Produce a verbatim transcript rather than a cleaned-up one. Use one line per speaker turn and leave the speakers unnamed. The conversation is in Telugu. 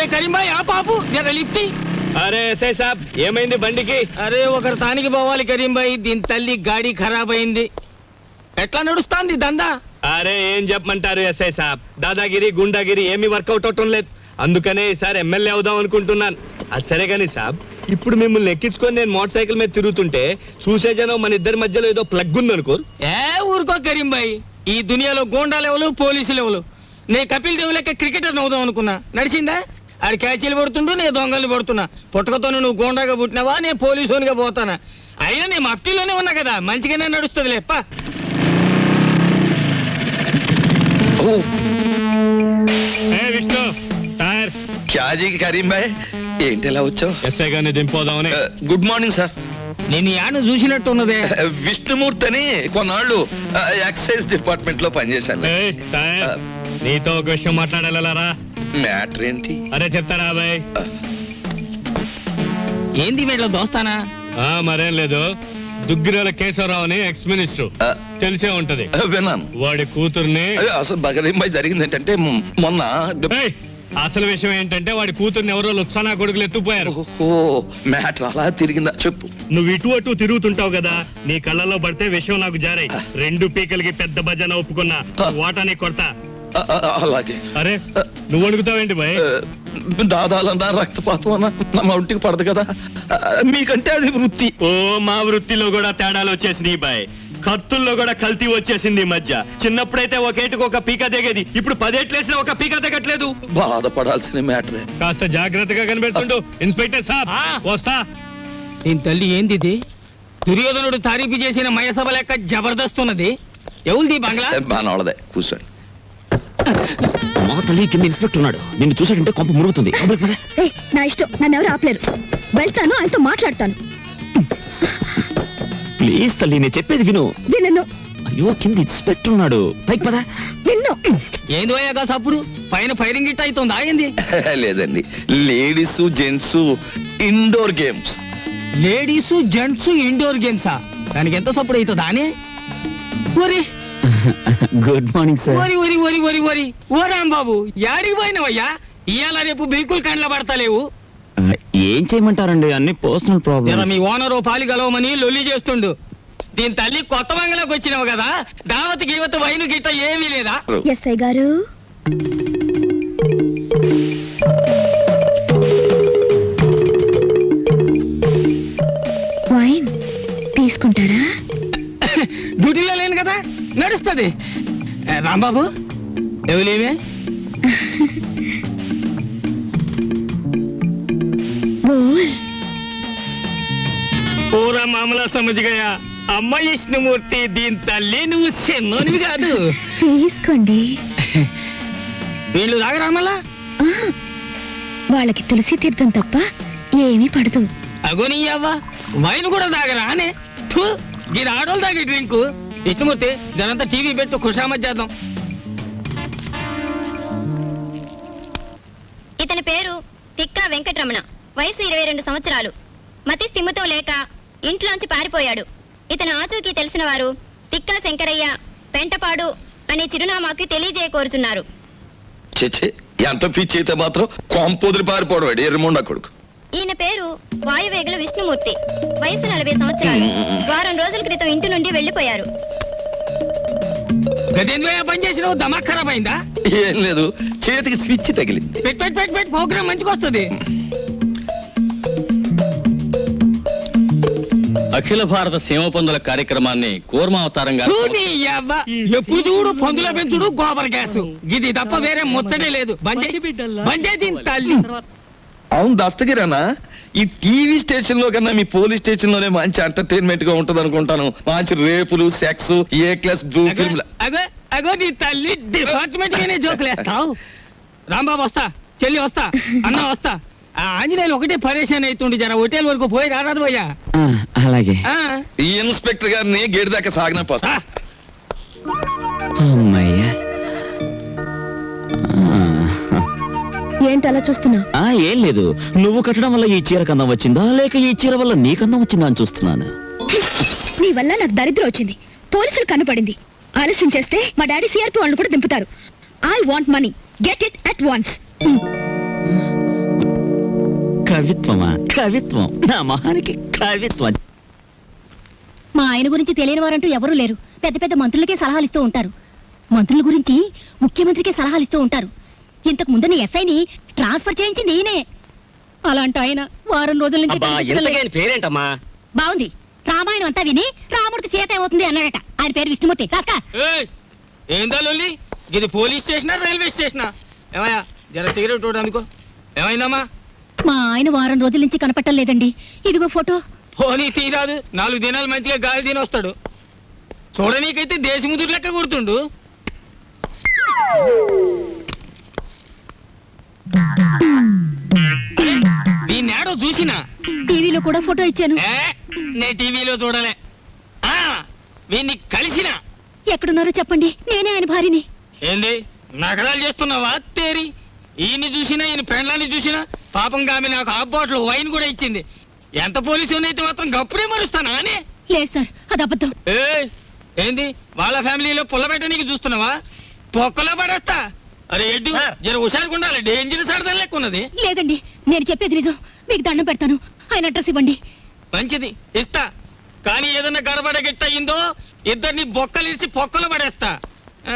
అరే కరీం భాయ్ ఆ పాపు జర లిఫ్ట్.
అరే ఎస్ఐ సాబ్ ఏమైంది బండికి?
అరే ఒకరు తానికి పోవాలి కరీం భాయ్, దీని తల్లి గాడి ఖరాబ్ అయింది. ఎట్లా నడుస్తాంది దందా?
అరే ఏం చెప్పమంటారు ఎస్ఐ సాబ్, దాదాగిరి గుండాగిరి ఏమీ వర్కౌట్ అవటం లేదు. అందుకనే ఈసారి ఎమ్మెల్యే అవుదాం అనుకుంటున్నాను. అది సరే కానీ సాబ్, ఇప్పుడు మిమ్మల్ని ఎక్కించుకొని నేను మోటార్ సైకిల్ మీద తిరుగుతుంటే చూసే జనం మన ఇద్దరి మధ్యలో ఏదో ప్లగ్ ఉంది అనుకోరు.
ఏ ఊరుకో కరీం భాయ్, ఈ దునియాలో గోండా లెవెలు పోలీసు లెవెలు. నేను కపిల్ దేవ్ లెక్క క్రికెటర్ అవుదాం అనుకున్నా, నడిచిందా? ఆడు క్యాచీలు పడుతుంటూ నేను దొంగలు పడుతున్నా. పుట్టకతో నువ్వు గోండాగా పుట్టినావా, నేను పోలీసునిగా పోతానా? అయినా నేను మఫ్టీలోనే ఉన్నా కదా, మంచిగానే నడుస్తుంది లేప్ప.
విష్ణు టైర్
క్యాజీ కరీం భాయ్, ఏంటి ఎలా వచ్చావు?
ఎస్ఐ గారిని దింపోదామని.
Good morning sir.
నేను యాను చూసినట్టు ఉన్నదే.
విష్ణుమూర్తి అని కొన్నాళ్ళు ఎక్సైజ్ డిపార్ట్మెంట్ లో పనిచేశాను.
ఏయ్, టైర్, నీతో ఒక విషయం మాట్లాడాలరా.
మ్యాటర్ ఏంటి?
అరే చెప్తారా బాయ్?
ఏంది వీళ్ళ దోస్తానా?
ఆ మరేం లేదు, దుగ్గిరాల కేశవరావు అని ఎక్స్ మినిస్టర్, తెలిసే ఉంటది.
విన్నాను.
వాడి కూతుర్ని.
అసలు బగరీం భాయ్ జరిగింది ఏంటంటే మొన్న
అసలు విషయం ఏంటంటే వాడి కూతుర్ని ఎవరో లుత్సానా కొడుకులు ఎత్తుపోయారు.
మ్యాటర్ అలా తిరిగిందా చెప్పు.
నువ్వు ఇటు అటు తిరుగుతుంటావు కదా, నీ కళ్ళలో పడితే విషయం నాకు జారాయి. రెండు పీకలకి పెద్ద భజన ఒప్పుకున్నా, వాటాని కొడతా.
అలాగే.
అరే నువ్వు అడుగుతావేంటి బాయ్?
దాదాలన్నా రక్తపాతం అన్నా నా ఒంటికి పడదు కదా, మీకంటే అది వృత్తి.
ఓ మా వృత్తిలో కూడా తేడాలు వచ్చేసినాయి బాయ్. కత్తుల్లో కూడా కల్తీ వచ్చేసింది ఈ మధ్య. చిన్నప్పుడైతే ఒకేటికి ఒక పీక దిగేది, ఇప్పుడు పదేట్లేసిన ఒక పీక దిగట్లేదు.
బాధపడాల్సిన మ్యాటరే.
కాస్త జాగ్రత్తగా కనిపెడుతుండు ఇన్స్పెక్టర్ సాబ్. వస్తా.
దీని తల్లి ఏంది ఇది? దుర్యోధనుడు తారీఫు చేసిన మయసభ లెక్క జబర్దస్త్ ఉన్నది. ఎవరిది బంగ్లా?
బానోళ్ళదే, కూర్చోండి.
మా తల్లి కింద ఇన్స్పెక్టర్ ఉన్నాడు, నిన్ను చూసాడంటే కొంప మురుగుతుంది.
నా ఇష్టం, నన్ను ఎవరు ఆపలేరు. వెళ్తాను, ఆయనతో మాట్లాడతాను.
ప్లీజ్ తల్లి, నేను చెప్పేది విను.
విన్ను.
అయ్యో కింద ఇన్స్పెక్టర్ ఉన్నాడు, పైకి పదా.
విన్ను.
ఏంది పోయాగా సప్పుడు పైన ఫైరింగ్ గిట్ అవుతుంది. ఆగింది
లేదండి, ladies gents indoor games.
Ladies gents indoor గేమ్సా? దానికి ఎంత సప్పుడు అవుతుందా అని?
Good morning sir.
ఓరి ఓరి ఓరి ఓరి ఓరి ఓ రాంబాబు, యాడికి పోయినవయ్యా? ఇవాళ రేపు బిల్కుల్ కండ్ల పడతలేవు.
ఏం చేయమంటారండి, అన్ని పర్సనల్ ప్రాబ్లమ్.
మీ ఓనరు పాలి గలవమని లొల్లి చేస్తుండు. దీని తల్లి కొత్త బంగ్లాకి వచ్చినావు కదా, దావత్ గీవత్ వైను గిట్ట ఏమీ లేదా?
ఎస్ఐ గారు, వైన్ తీసుకుంటారా?
డ్యూటీలో లేను కదా, నడుస్తుంది. రాంబాబు ఎవలేమే? పూరా మామలా సమజ్గయా. అమ్మ విష్ణుమూర్తి, దీని తల్లి నువ్వు చిన్నోనివి కాదు.
తీసుకోండి.
వీళ్ళు తాగరా మళ్ళా?
వాళ్ళకి తులసి తీర్థం తప్ప ఏమీ పడదు.
అగోని అవ్వ, వైన్ కూడా తాగరా అనే? దీని ఆడోళ్ళు తాగే డ్రింకు. విష్ణుమూర్తి, దానంతా టీవీ పెట్టు, ఖుషామత్ చేద్దాం.
ఇతని పేరు తిక్కా వెంకటరమణ, వయసు ఇరవై రెండు సంవత్సరాలు. మతి స్థిమితో లేక ఇంట్లోంచి పారిపోయాడు. ఇతను ఆచూకీ తెలిసిన వారు తిక్కా శంకరయ్య, పెంటపాడు అనే చిరునామాకి తెలియజేయకోరుచున్నారు.
చెచ్చే, ఎంత పిచ్చి అయితే మాత్రం కొంపొదిరి పారిపోవడం ఎర్రమొండ కొడుకు.
ఈయన పేరు వాయువేగుల విష్ణుమూర్తి, వయసు నలభై సంవత్సరాలు. వారం రోజుల క్రితం ఇంటి నుండి వెళ్లిపోయారు.
పని చేసినావు, దమాక్ ఖరాబ్ అయిందా?
ఏం లేదు, చేతికి స్విచ్ తగిలింది.
పెట్ పెట్ పెట్ పెట్ ప్రోగ్రామ్ మంచిగా వస్తుంది.
అఖిల భారత సీమ పందుల కార్యక్రమాన్ని కూర్మావతారంగా
ఎప్పుడు చూడు పందుల పెంచుడు, గోబర్ గ్యాస్, ఇది తప్ప వేరే ముచ్చటే లేదు. తల్లి
అవును దస్తగిరానా, ఈ టీవీ స్టేషన్ లో కన్నా మీ పోలీస్ స్టేషన్ లోనే మంచి ఎంటర్టైన్మెంట్ గా ఉంటది అనుకుంటాను. మంచి రేపులు, sex, A class blue film.
అగో అగో నీ తల్లి డిపార్ట్మెంట్ గానే జోకులేస్తావు. రాంబాబు వస్తా, చెల్లి వస్తా, అన్న వస్తా. ఆ ఆంజనేయులు ఒకటే పరేషాన్ అవుతుండే, జర హోటల్ వరకు పోయి రారాదు పోయా.
అలాగే.
ఈ ఇన్స్పెక్టర్ గారిని గేట్ దాకా సాగిన పోస్తా.
అమ్మయ్యా,
ఏంటి అలా చూస్తున్నావు?
ఏం లేదు, నువ్వు కట్టడం వల్ల ఈ చీర కన్నా వచ్చిందా, లేక ఈ చీర వల్ల నీ కన్నా వచ్చిందా అని చూస్తున్నాను.
నీ వల్ల నాకు దరిద్రం వచ్చింది. పోలీసులు కనపడింది. ఆలస్యం చేస్తే మా డాడీ సిఆర్పి వాళ్ళు కూడా దింపుతారు. I want money, get it at once.
కవిత్వమా కవిత్వం నా మొహానికి కవిత్వం.
మా ఆయన గురించి తెలియని వారంటూ ఎవరూ లేరు. పెద్ద పెద్ద మంత్రులకే సలహాలు ఇస్తూ ఉంటారు. మంత్రుల గురించి ముఖ్యమంత్రికే సలహాలు ఇస్తూ ఉంటారు. ఇంతకు ముందు ఎస్ఐని ట్రాన్స్ఫర్ చేయించింది ఈయనే. అలాంటి ఆయన వారం రోజుల నుంచి కనిపించడం లేదు.
పేరేంటమ్మా?
బాగుంది. రామాయణం అంతా విని రాముడికి సీత ఏమవుతుంది అన్నాడట. ఆయన పేరు విష్ణుమూర్తి. కాస్కా
ఏయ్, ఏందా లొల్లి? ఇది పోలీస్ స్టేషనా రైల్వే స్టేషనా? ఏమయ్యా జర సిగరెట్ ఒకటి అందుకో. ఏమైందమ్మా?
మా ఆయన వారం రోజుల నుంచి కనపట్టం లేదండి. ఇదిగో ఫోటో.
పోనీ తీరాదు, నాలుగు దినాలు మంచిగా గాలి తిని వస్తాడు. చూడనీకైతే దేశముదురు లెక్క గుర్తుండు. దీన్ని ఏడో చూసినా
టీవీలో కూడా ఫోటో ఇచ్చాను.
ఏ, నే టీవీలో చూడలే. ఆ వీన్ని కలిసిన.
ఎక్కడున్నారో చెప్పండి, నేనే ఆయన భార్యని.
ఏంది నగరాలు చేస్తున్నావా తేరి? ఈయన్ని చూసినా ఈయన పెండ్లాన్ని చూసినా పాపం ఆమె నాకు హాఫ్ బాటిల్ వైన్ కూడా ఇచ్చింది. ఎంత పోలీసు అయితే మాత్రం గప్పుడే మరుస్తానా అని?
లేదు సార్, అది అబద్ధం.
ఏ ఏంది వాళ్ళ ఫ్యామిలీలో పుల్ల పెట్టనీకి చూస్తున్నావా? పొక్కలో పడేస్తా. అరే ఎడ్డు జర హుషారుగా ఉండాలి, డేంజరస్ ఆడదాని లెక్క ఉన్నది.
లేదండి, నేను చెప్పేది నిజం. మీకు దండం పెడతాను, ఆయన అడ్రస్ ఇవ్వండి.
మంచిది ఇస్తా, కానీ ఏదన్నా గడబడ గిట్ట అయిందో ఇద్దరిని బొక్కలిసి పొక్కలు పడేస్తా.